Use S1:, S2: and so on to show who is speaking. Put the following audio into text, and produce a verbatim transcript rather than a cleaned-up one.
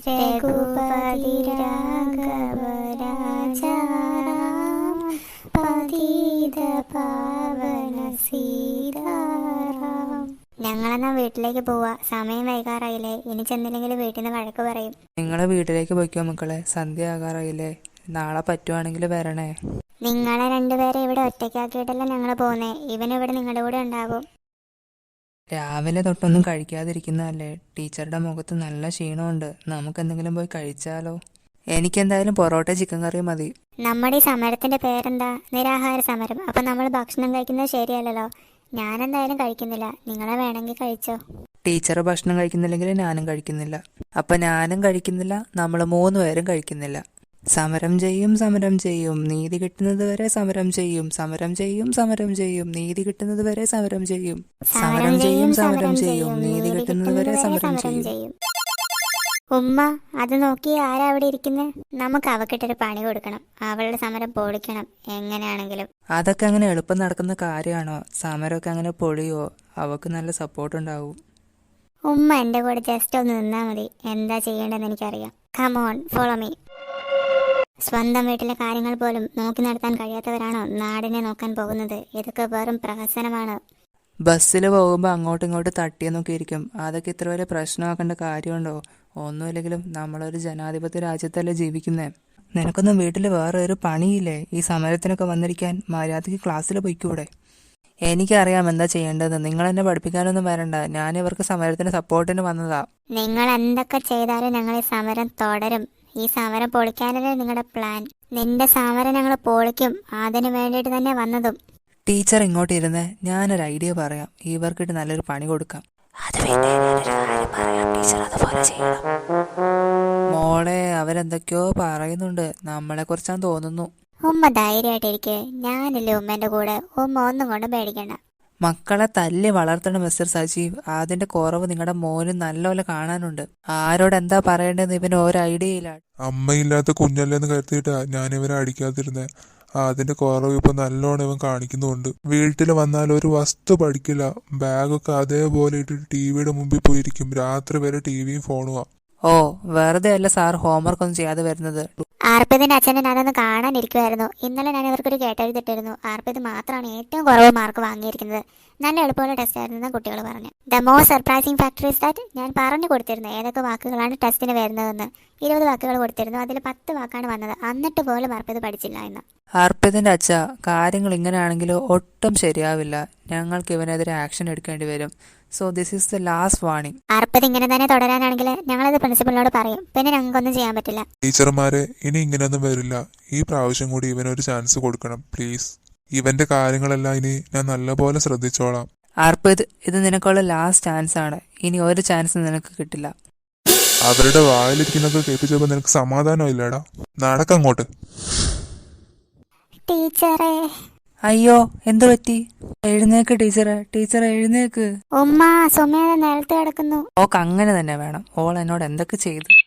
S1: രഘുപതി രാഘവ രാജാറാം പതിത പാവന സീതാറാം. ഞങ്ങളെന്നാ വീട്ടിലേക്ക് പോവാ. സമയം വൈകാറായില്ലേ. ഇനി ചെന്നില്ലെങ്കിൽ വീട്ടിൽ നിന്ന് വഴക്ക് പറയും.
S2: നിങ്ങളെ വീട്ടിലേക്ക് പോയിക്കോ മക്കളെ, സന്ധ്യ ആകാറായില്ലേ. നാളെ പറ്റുവാണെങ്കിൽ വരണേ.
S1: നിങ്ങളെ രണ്ടുപേരെ ഇവിടെ ഒറ്റയ്ക്കാക്കിയിട്ടല്ല ഞങ്ങൾ പോകുന്നേ. ഇവൻ ഇവിടെ നിങ്ങളുടെ കൂടെ ഉണ്ടാവും.
S2: രാവിലെ തൊട്ടൊന്നും കഴിക്കാതിരിക്കുന്നതല്ലേ. ടീച്ചറുടെ മുഖത്ത് നല്ല ക്ഷീണമുണ്ട്. നമുക്ക് എന്തെങ്കിലും പോയി കഴിച്ചാലോ? എനിക്കെന്തായാലും പൊറോട്ട ചിക്കൻ കറി മതി.
S1: നമ്മുടെ ഈ സമരത്തിന്റെ പേരെന്താ? നിരാഹാര സമരം. അപ്പൊ നമ്മൾ ഭക്ഷണം കഴിക്കുന്നത് ശരിയല്ലല്ലോ. ഞാനെന്തായാലും കഴിക്കുന്നില്ല. നിങ്ങളെ വേണമെങ്കിൽ കഴിച്ചോ.
S2: ടീച്ചർ ഭക്ഷണം കഴിക്കുന്നില്ലെങ്കിൽ ഞാനും കഴിക്കുന്നില്ല. അപ്പൊ ഞാനും കഴിക്കുന്നില്ല, നമ്മൾ മൂന്ന് പേരും കഴിക്കുന്നില്ല. സമരം ചെയ്യും സമരം ചെയ്യും നീതി കിട്ടുന്നത് വരെ സമരം ചെയ്യും സമരം ചെയ്യും സമരം ചെയ്യും നീതി കിട്ടുന്നത് വരെ സമരം ചെയ്യും സമരം ചെയ്യും സമരം ചെയ്യും നീതി കിട്ടുന്നത് വരെ സമരം ചെയ്യും.
S1: ഉമ്മ, അത് നോക്കി ആരാ അവിടെ ഇരിക്കുന്നത്? നമുക്ക് അവക്കിട്ടൊരു പണി കൊടുക്കണം. അവളുടെ സമരം പൊളിക്കണം എങ്ങനെയാണെങ്കിലും.
S2: അതൊക്കെ അങ്ങനെ എളുപ്പം നടക്കുന്ന കാര്യമാണോ? സമരമൊക്കെ അങ്ങനെ പൊളിയോ? അവക്ക് നല്ല സപ്പോർട്ട് ഉണ്ടാവും.
S1: ഉമ്മ എന്റെ കൂടെ ജസ്റ്റ് ഒന്ന് നിന്നാ മതി. എന്താ ചെയ്യേണ്ടതെന്ന് എനിക്കറിയാം. Come on, follow me. സ്വന്തം വീട്ടിലെ കാര്യങ്ങൾ പോലും നോക്കി നടത്താൻ കഴിയാത്തവരാണോ നാടിനെ നോക്കാൻ പോകുന്നത്? ഇതൊക്കെ വെറും പ്രഹസനമാണ്.
S2: ബസ്സിൽ പോകുമ്പോൾ അങ്ങോട്ടും ഇങ്ങോട്ടും തട്ടിയെന്നൊക്കെ ഇരിക്കും. അതൊക്കെ ഇത്ര വലിയ പ്രശ്നമാക്കേണ്ട കാര്യമുണ്ടോ? ഒന്നുമില്ലെങ്കിലും നമ്മളൊരു ജനാധിപത്യ രാജ്യത്തല്ലേ ജീവിക്കുന്നേ. നിനക്കൊന്നും വീട്ടിൽ വേറെ ഒരു പണിയില്ലേ? ഈ സമരത്തിനൊക്കെ വന്നിരിക്കാൻ മര്യാദയ്ക്ക് ക്ലാസ്സിൽ പോയിക്കൂടെ? എനിക്കറിയാം എന്താ ചെയ്യേണ്ടത്. നിങ്ങൾ എന്നെ പഠിപ്പിക്കാനൊന്നും വരണ്ട. ഞാൻ ഇവർക്ക് സമരത്തിന് സപ്പോർട്ടിന് വന്നതാ.
S1: നിങ്ങൾ എന്തൊക്കെ ചെയ്താലും ഞങ്ങൾ ഈ സമരം തുടരും. ഈ സമരം പൊളിക്കാനല്ലേ നിങ്ങളുടെ പ്ലാൻ? നിന്റെ സമരം ഞങ്ങൾ പൊളിക്കും. അതിനു വേണ്ടിയിട്ട് തന്നെ വന്നതും.
S2: ടീച്ചർ ഇങ്ങോട്ട് ഇരുന്ന് ഞാനൊരു ഐഡിയ പറയാം. ഇവർക്കിട്ട് നല്ലൊരു പണി കൊടുക്കാം. മോളെ, അവരെന്തൊക്കെയോ പറയുന്നുണ്ട്. നമ്മളെ കുറിച്ചാന്ന് തോന്നുന്നു.
S1: ഉമ്മ ധൈര്യമായിട്ടിരിക്കെ. ഞാനില്ലേ ഉമ്മന്റെ കൂടെ. ഉമ്മ ഒന്നും കൊണ്ട് പേടിക്കണ്ട.
S2: മക്കളെ തല്ലി വളർത്തണം മിസ്റ്റർ സജീവ്. അതിന്റെ കുറവ് നിങ്ങളുടെ മോന് നല്ലപോലെ കാണാനുണ്ട്. ആരോട് എന്താ പറയേണ്ടതെന്ന് ഇവന് ഒരു ഐഡിയ ഇല്ല.
S3: അമ്മയില്ലാത്ത കുഞ്ഞല്ലേന്ന് കരുതിയിട്ടാ ഞാൻ ഇവരെ അടിക്കാതിരുന്നേ. അതിന്റെ കുറവ് ഇപ്പൊ നല്ലോണം ഇവൻ കാണിക്കുന്നുണ്ട്. വീട്ടിൽ വന്നാൽ ഒരു വസ്തു പഠിക്കില്ല. ബാഗൊക്കെ അതേപോലെ ഇട്ടിട്ട് ടിവിയുടെ മുമ്പിൽ പോയിരിക്കും. രാത്രി വരെ ടിവിയും ഫോണുവാ.
S2: ഓ, വെറുതെ അല്ല സാർ ഹോംവർക്ക് ഒന്നും ചെയ്യാതെ വരുന്നത്.
S1: ആർപ്പിതിന്റെ അച്ഛനെ ഞാനൊന്ന് കാണാനിരിക്കുമായിരുന്നു. ഇന്നലെ ഞാൻ ഇവർക്കൊരു കേട്ടെഴുതിട്ടിരുന്നു. ആർപ്പിത് മാത്രമാണ് ഏറ്റവും കുറവ് മാർക്ക് വാങ്ങിയിരിക്കുന്നത്. നല്ല എളുപ്പമുള്ള ടെസ്റ്റ് ആയിരുന്നു കുട്ടികൾ പറഞ്ഞു. The most surprising factor is that ഞാൻ പറഞ്ഞു കൊടുത്തിരുന്നു ഏതൊക്കെ വാക്കുകളാണ് ടെസ്റ്റിന് വരുന്നതെന്ന്. ഇരുപത് വാക്കുകൾ കൊടുത്തിരുന്നു. അതിൽ പത്ത് വാക്കാണ് വന്നത്. എന്നിട്ട് പോലും ആർപ്പിത് പഠിച്ചില്ല എന്ന്.
S2: അർപ്പിതിന്റെ അച്ഛ, കാര്യങ്ങൾ ഇങ്ങനെയാണെങ്കിൽ ഒട്ടും ശരിയാവില്ല. ഞങ്ങൾക്ക് ഇവനെതിരെ ആക്ഷൻ എടുക്കേണ്ടി വരും. So this is the last warning.
S1: Arpit ഇങ്ങനെ തന്നെ തുടരാനാണെങ്കിൽ ഞങ്ങളത് പ്രിൻസിപ്പലിനോട് പറയും. പിന്നെ ഞങ്ങൾക്കൊന്നും ചെയ്യാൻ പറ്റില്ല.
S3: ടീച്ചർമാരെ, ഇനി ഇങ്ങനെയൊന്നും വരില്ല. ഈ പ്രാവശ്യം കൂടി ഇവനൊരു ചാൻസ് കൊടുക്കണം പ്ലീസ്. ഇവന്റെ കാര്യങ്ങളെല്ലാം ഇനി ഞാൻ നല്ലപോലെ ശ്രദ്ധിച്ചോളാം.
S2: അർപ്പിത്, ഇത് നിനക്കുള്ള ലാസ്റ്റ് ചാൻസ് ആണ്. ഇനി ഒരു ചാൻസ് നിനക്ക് കിട്ടില്ല.
S3: അവരുടെ വായിലിരിക്കുന്നൊക്കെ കേൾപ്പിച്ചപ്പോ നിനക്ക് സമാധാനം ഇല്ലടാ. നടക്കങ്ങോട്ട്.
S1: ടീച്ചറേ.
S2: അയ്യോ, എന്തു പറ്റി? എഴുന്നേക്ക് ടീച്ചറെ. ടീച്ചറെ എഴുന്നേക്ക്.
S1: ഉമ്മ, സുമേധ നേരത്തെ കിടക്കുന്നു.
S2: ഓക്ക് അങ്ങനെ തന്നെ വേണം. ഓൾ എന്നോട് എന്തൊക്കെ ചെയ്തു.